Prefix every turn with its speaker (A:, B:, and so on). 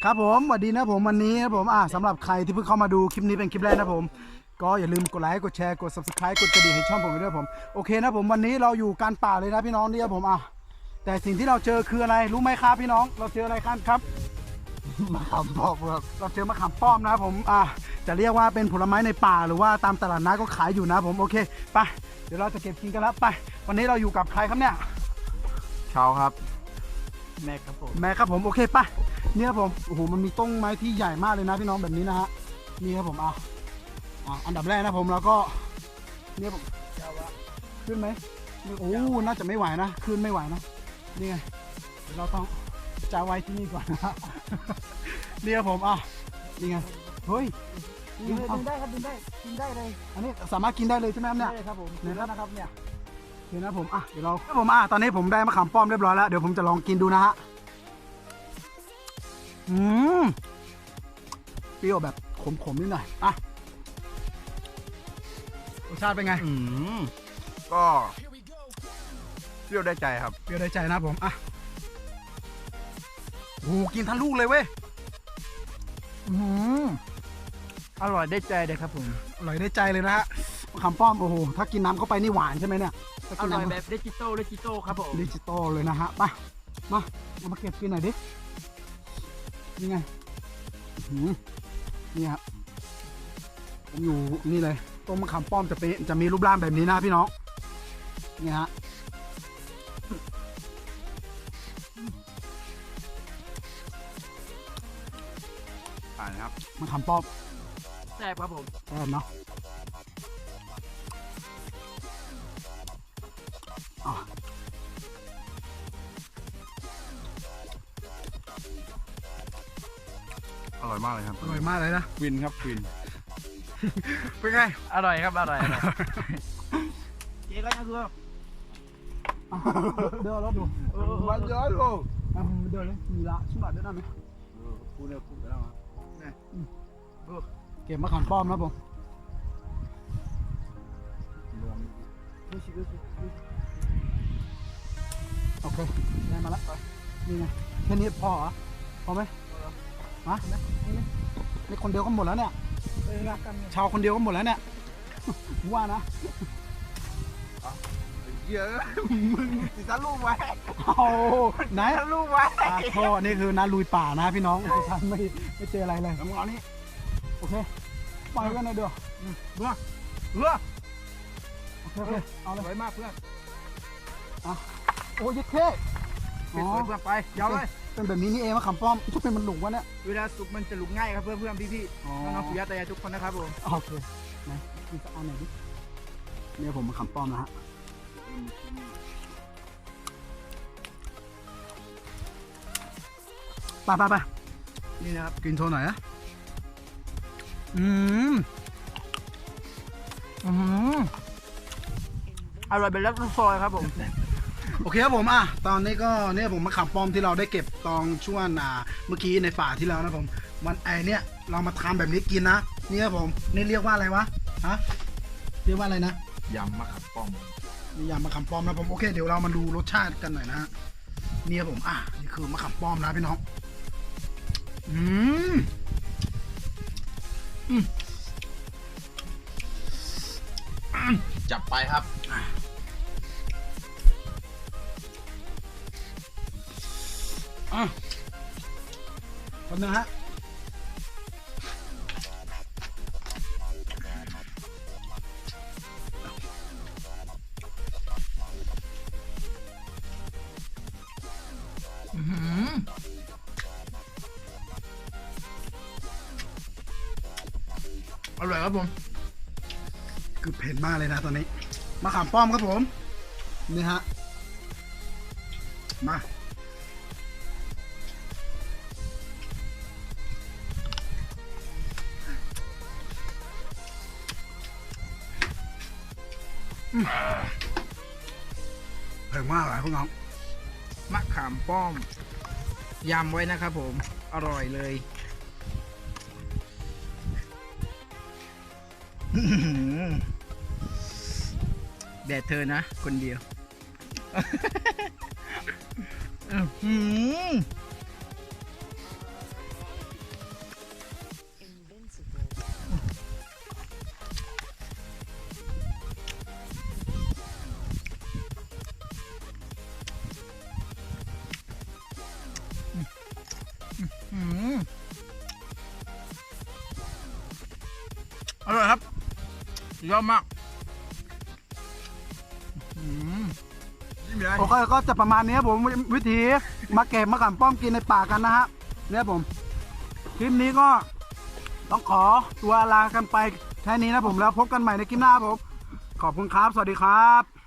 A: ครับผมสวัสดีนะผมวันนี้นะผมสำหรับใครที่เพิ่งเข้ามาดูคลิปนี้เป็นคลิปแรกนะผมก็อย่าลืมกดไลค์กดแชร์กด subscribe กดกระดิ่งให้ช่องผมด้วยผมโอเคนะผมวันนี้เราอยู่กลางป่าเลยนะพี่น้องเนี่ยผมแต่สิ่งที่เราเจอคืออะไรรู้ไหมครับพี่น้องเราเจออะไรกันครับมะขามป้อมครับเราเจอมะขามป้อมนะผมจะเรียกว่าเป็นผลไม้ในป่าหรือว่าตามตลาดนัดก็ขายอยู่นะผมโอเคไปเดี๋ยวเราจะเก็บกินกันแล้วไปวันนี้เราอยู่กับใครครับเนี่ย
B: เช้าครับ
A: แม่ครับผมโอเคป่ะเนี่ยครับผมโอ้โหมันมีต้นไม้ที่ใหญ่มากเลยนะพี่น้องแบบนี้นะฮะนี่ครับผมอันดับแรกนะผมแล้วก็เนี่ยผมขึ้นไหมโอ้น่าจะไม่ไหวนะขึ้นไม่ไหวนะนี่ไงเราต้องจะไว้ที่นี่ก่อนนะนี่ครับผมนี่ไงเฮ้ย
C: กินได้ครับกินได้เลย
A: อันนี้สามารถกินได้เลยใช่ไหมครับเนี่ย
C: ได้ครับผม
A: เนี่ยครับ
C: นะครับเนี่ย
A: โอเคนะผมเดี๋ยวเราผมตอนนี้ผมได้มะขามป้อมเรียบร้อยแล้วเดี๋ยวผมจะลองกินดูนะฮะเปรี้ยวแบบขมๆนิดหน่อยรสชาติเป็นไง
B: ก็เปรี้ยวได้ใจครับ
A: เปรี้ยวได้ใจนะผมโอ้กินทั้งลูกเลยเว้ย
C: อร่อยได้ใจเลยครับผม
A: อร่อยได้ใจเลยนะฮะมะขามป้อมโอ้โหถ้ากินน้ำเข้าไปนี่หวานใช่ไหมเนี่ยถ้า
C: อ
A: กิน
C: ร่อย
A: น้ำ
C: แบบดิจิตอลครับผม
A: ดิจิตอลเลยนะฮะไปมาเอามาเก็บกินหน่อยดินี่ไงนี่ครับผมอยู่นี่เลยต้นมะขามป้อมจะมีรูปร่างแบบนี้นะพี่น้องนี่ฮะ
B: ผ่านครับ
A: มะขามป้อม
C: แซ่บครับผม
A: แซ่บเนาะ
B: อร่อยมากเลยครับ
A: อร่อยมากเลยนะ
B: วินครับวิน
A: เป็นไง
C: อร่อยครับอร่อยเจ๊ก็ยังคือ
A: เดินรถดู
B: มันเยอะลูก
A: เดินเลยมีละชุดหน่อยได้ไหม
B: พูดเนี่ยพูดไปแล้วครับ
A: เก็บมะขามป้อมนะผมโอเคได้มาแล้วนี่ไงแค่นี้พอเหรอพอไหมนี่คนเดียวก็หมดแล้วเนี่ยชาวคนเดียวก็หมดแล้วเนี่ยว่านะ
B: เยอะมึงติดตาลูกไว้
A: โอ้ไหน
B: ลูกไว้
A: โทษนี่คือนาลุยป่านะพี่น้องท่านไม่เจออะไรเลย
B: แล้วมึงเอานี่
A: โอเคปล่อยกันหน่อยเดี๋ยว
B: เพื่อ
A: โอเคเอาเลย
B: สวยมากเพื่อน
A: โอ้ยเท่
B: สวยเพื่อนไปยาวเลย
A: เป็นแบบนี้นี่เองมะขามป้อมทุกเป็นมันหลุกวะเนี่ย
C: เวลาสุกมันจะลุกง่ายครับเพื่อนพี่น้องๆปู่ย่าตายายทุกคนนะครับผม
A: โอเคนะมีสักอันหน่อยดิเนี่ยผมมะขามป้อมนะฮะไปนี่นะครับกินโชว์หน่อยนะ
C: อร่อยเป็นลักซอยครับผม
A: โอเคครับผมตอนนี้ก็เนี่ยผมมะขามป้อมที่เราได้เก็บตอนช่วงเมื่อกี้ในฝาที่แล้วนะผมวันเนี่ยเรามาทำแบบนี้กินนะนี่ครับผมนี่เรียกว่าอะไรวะเรียกว่าอะไรนะ
B: ยำมะขามป้อม
A: นี่ยำมะขามป้อมนะผมโอเคเดี๋ยวเรามาดูรสชาติกันหน่อยนะฮะนี่ครับผมนี่คือมะขามป้อมนะพี่น้อง
B: จับไปครับ
A: คนนึงฮะ
B: อร่อยครับผม
A: คือเผ็ดมากเลยนะตอนนี้มะขามป้อมครับผมนี่ฮะมาเผ็ดมากเลยพวกน้อง
C: มะขามป้อมยำไว้นะครับผมอร่อยเลยแดดเธอนะคนเดียว
A: อ
B: ร่อยครับยอดมาก นี่มีอะไร
A: โอเคก็จะประมาณนี้ครับผมวิธีมาเก็บมะขามป้อมกินในป่ากันนะฮะเนี่ยผมคลิปนี้ก็ต้องขอตัวลากันไปแค่นี้นะผมแล้วพบกันใหม่ในคลิปหน้าครับผมขอบคุณครับสวัสดีครับ